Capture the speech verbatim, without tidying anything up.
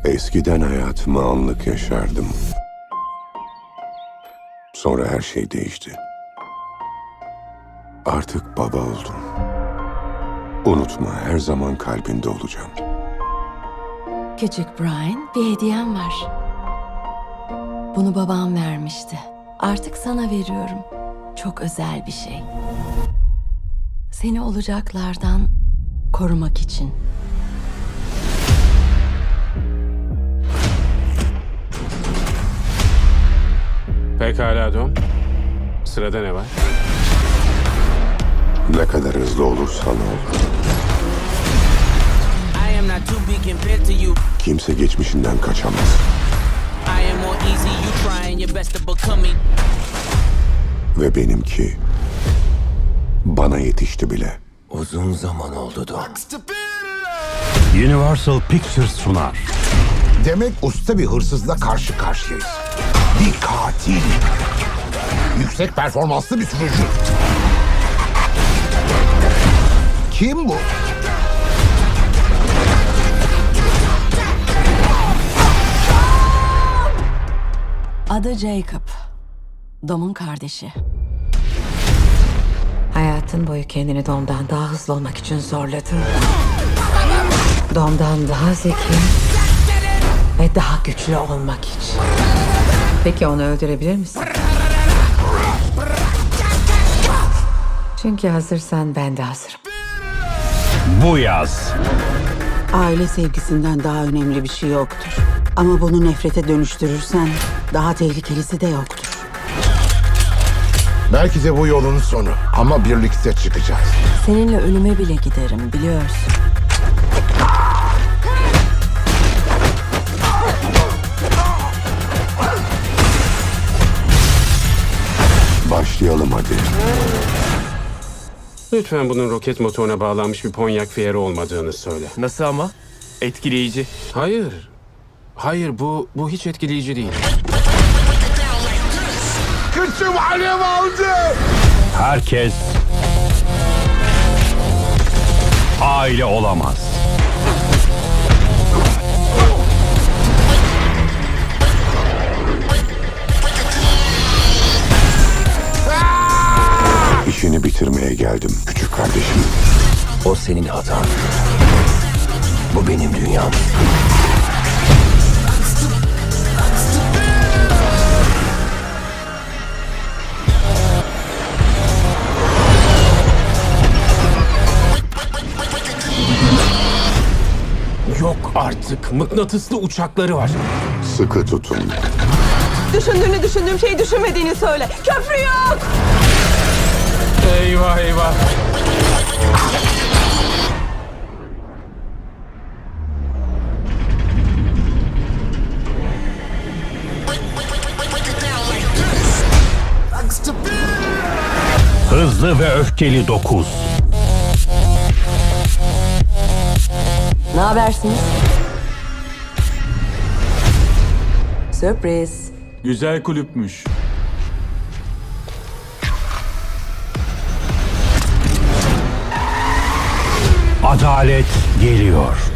Eskiden hayatımı anlık yaşardım. Sonra her şey değişti. Artık baba oldum. Unutma, her zaman kalbinde olacağım. Küçük Brian, bir hediyem var. Bunu babam vermişti. Artık sana veriyorum. Çok özel bir şey. Seni olacaklardan korumak için. Pekala Dom. Sırada ne var? Ne kadar hızlı olursan ol. I am not too big compared to you. Kimse geçmişinden kaçamaz. I am more easy, you trying your best to become me. Ve benimki bana yetişti bile. Uzun zaman oldu Dom. Universal Pictures sunar. Demek usta bir hırsızla karşı karşıyayız. Bir katil. Yüksek performanslı bir sürücü. Kim bu? Adı Jacob. Dom'un kardeşi. Hayatın boyu kendini Dom'dan daha hızlı olmak için zorladın. Dom'dan daha zeki ve daha güçlü olmak için. Peki onu öldürebilir misin? Çünkü hazırsan ben de hazırım. Bu yaz Aile sevgisinden daha önemli bir şey yoktur. Ama bunu nefrete dönüştürürsen daha tehlikelisi de yoktur. Belki de bu yolun sonu. Ama birlikte çıkacağız. Seninle ölüme bile giderim, biliyorsun. Başlayalım hadi. Lütfen bunun roket motoruna bağlanmış bir Pontiac Fiero olmadığını söyle. Nasıl ama? Etkileyici. Hayır. Hayır, bu bu hiç etkileyici değil. Kıçım alev aldı. herkes aile olamaz. İşini bitirmeye geldim küçük kardeşim. O senin hatan. Bu benim dünyam. Yok artık. Mıknatıslı uçakları var. Sıkı tutun. Düşündüğünü düşündüğüm şeyi düşünmediğini söyle. Köprü yok. Eyvah eyvah. Hızlı ve Öfkeli dokuz. Ne habersiniz? Sürpriz. Güzel kulüpmüş. Adalet geliyor.